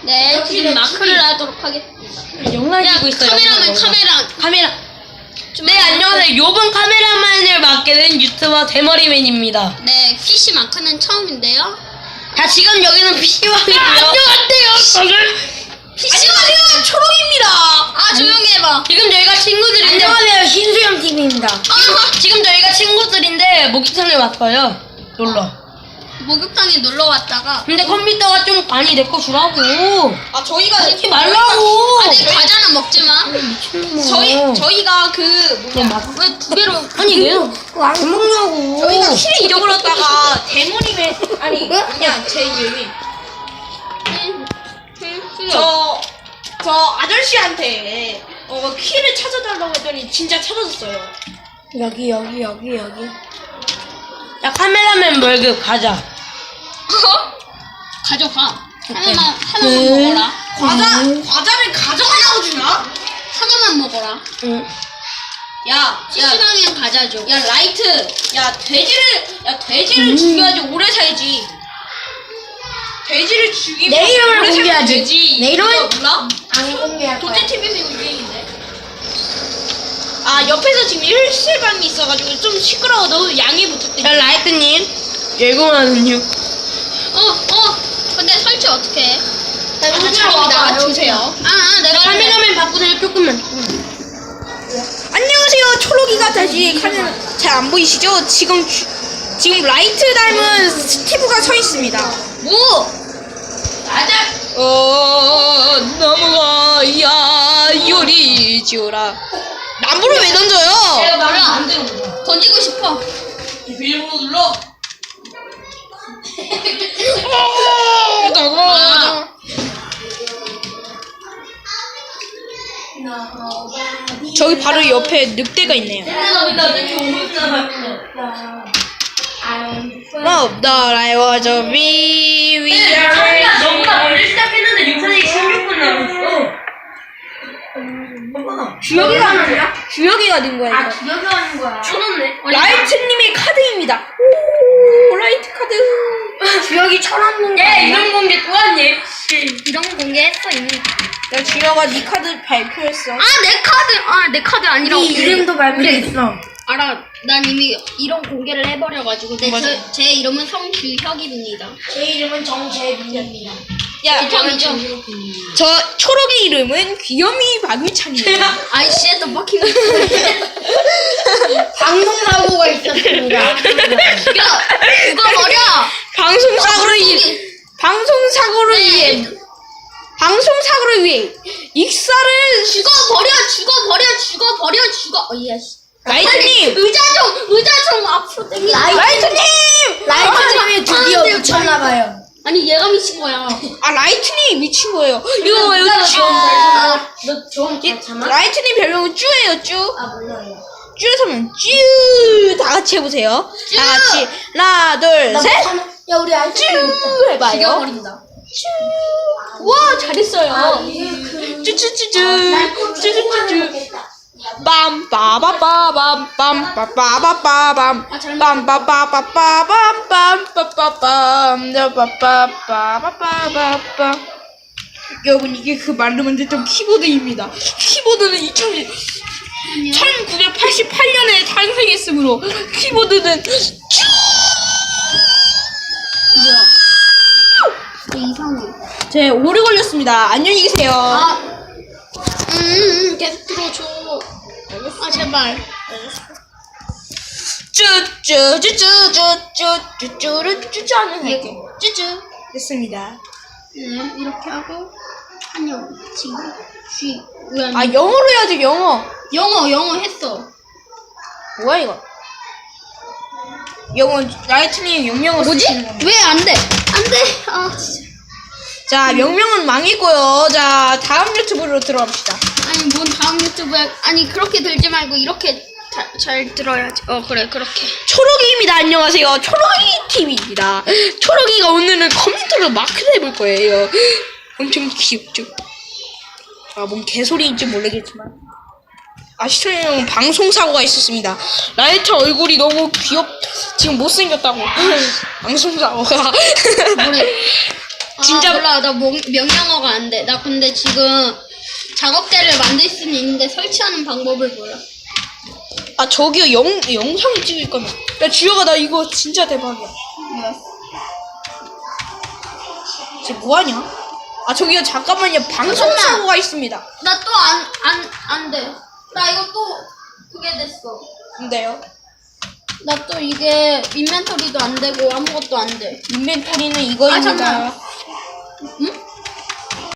네, 지금 마크를 하도록 하겠습니다. 영상 찍고 있어요. 카메라. 네, 안녕하세요. 요번 카메라만을 맡게 된 유튜버 대머리맨입니다. 네, PC 마크는 처음인데요. 자, 지금 여기는 PC방이고요. 안녕하세요. 안녕하세요, 초롱입니다. 아, 조용히 해봐. 지금 저희가 친구들인데. 안녕하세요, 신수영 TV입니다. 지금 저희가 친구들인데 목욕탕에 왔어요. 놀러. 목욕탕에 놀러 왔다가. 근데 컴퓨터가 좀 많이 내 거 주라고. 아, 저희가 하지 말라고. 아니, 과자는 먹지 마. 저희가 왜 두 개로. 아니 왜요? 안 먹냐고. 저희가 키를 잃어버렸다가 대머리맨 그냥 제 이름이 저 아저씨한테 키를 찾아달라고 했더니 진짜 찾아줬어요. 여기. 야, 카메라맨 월급 가자. 가져가. 하나만 먹어라. 과자를 가져가려고 주나? 하나만 먹어라. 응. 야, PC방엔 과자 줘. 야 라이트, 야 돼지를 죽여야지 오래 살지. 돼지를 죽이면 내 이름을 오래 살면 공개하지. 되지. 내 이름은- 이거 몰라? 안 공개할 도대 TV에서 이거 유행인데. 아, 옆에서 지금 일실방이 있어가지고 좀 시끄러워. 너 양해 부탁드려. 야, 라이트님. 예고하는요. 근데 설치 어떻게 해? 자리 나와주세요. 내가 카메라맨 바꾸세요, 조금만. 안녕하세요. 초록이가 다시 카메라 잘 안 보이시죠? 지금 라이트 닮은 스티브가 서 있습니다. 뭐? 나무가 요리 지어라. 나무를 왜 던져요? 말을 안 들어. 던지고 싶어. 비밀번호 눌러. 저기 바로 옆에 늑대가 있네요. Love the light was a 너보다 멀리 시작했는데 영상이 16분 남았어. 주혁이가 하는 거야? 주혁이가 된 거야. 이거. 기억이 하는 거야. 쳐놓네. 라이트님의 카드입니다. 오, 라이트 카드. 주혁이 쳐놨는 거야. 이런 공개 또 왔니? 이런 거 공개했어 이미. 야, 주혁아, 네 카드 발표했어. 내 카드 아니라. 네 이름도 발표했어. 알아. 난 이미 이런 공개를 해버려가지고. 제 이름은 성규혁입니다. 제 이름은 정재민입니다. 야, 이죠 저 초록의 이름은 귀요미 박유찬이에요. 아이씨, 또 먹히고. 방송사고가 있었습니다. 야, 그거 버려. 방송사고를 위해 익사를 죽어. 예스. 라이트님! 의자 좀 앞으로 당겨. 라이트님! 라이트님이 드디어 안 돼, 미쳤나봐요. 아니, 얘가 미친 거야. 아, 라이트님 미친 거예요. 이거 여기 쭈. 너좀 참아? 라이트님 별명은 쭈예요, 쭈. 아 몰라요. 쭈에서 하면 쭈. 다 같이 해보세요. 쭈. 다 같이. 하나, 둘, 셋. 야 우리 아이스 쭈 해봐요. 죽여버린다. 쭈. 와, 잘했어요. 쭈쭈쭈쭈. 쭈쭈쭈쭈. 빰빠바빠밤 빰빠빠바빠밤 빰빠빠빠빰빰빰빰빰빰빰빰빰빰빰빰. 여러분, 이게 그 말로 만들던 키보드입니다. 키보드는 1988년에 탄생했으므로 키보드는 이상해. 제 오래 걸렸습니다. 안녕히 계세요. 계속 들어줘. 제발. 쭈쭈쭈쭈쭈쭈쭈쭈쭈 하는 할게. 쭈쭈. 됐습니다. 이렇게 하고 안녕. 지금 왜 안 아, 영어로 해야지, 영어. 영어 했어. 뭐야 이거? 영어, 라이트님 영명어 쓰시는 겁니다. 왜 안 돼? 안 돼. 아 진짜. 자, 명명은 망했고요. 자, 다음 유튜브로 들어갑시다. 아니 뭔 다음 유튜브야? 아니 그렇게 들지 말고 이렇게 잘 들어야지. 그래 그렇게. 초록이입니다. 안녕하세요. 초록이 TV입니다. 초록이가 오늘은 컴퓨터로 마크를 해볼 거예요. 엄청 귀엽죠? 아, 뭔 개소리인지 모르겠지만. 아, 시청자분 방송사고가 있었습니다. 라이트 얼굴이 너무 지금 못생겼다고. 방송사고가. 뭐래? 진짜 몰라. 나 명령어가 안 돼. 나 근데 지금 작업대를 만들 수는 있는데 설치하는 방법을 몰라. 아 저기요 영상을 찍을 거면 야 주혁아 나 이거 진짜 대박이야. 지금 뭐하냐? 아 저기요 잠깐만요 방송 잠깐만. 사고가 있습니다. 나 또 안 돼. 나 이거 또 그게 됐어. 근데요 나 또 이게 인벤토리도 안 되고 아무것도 안 돼. 인벤토리는 이거입니다. 잠깐만. 응?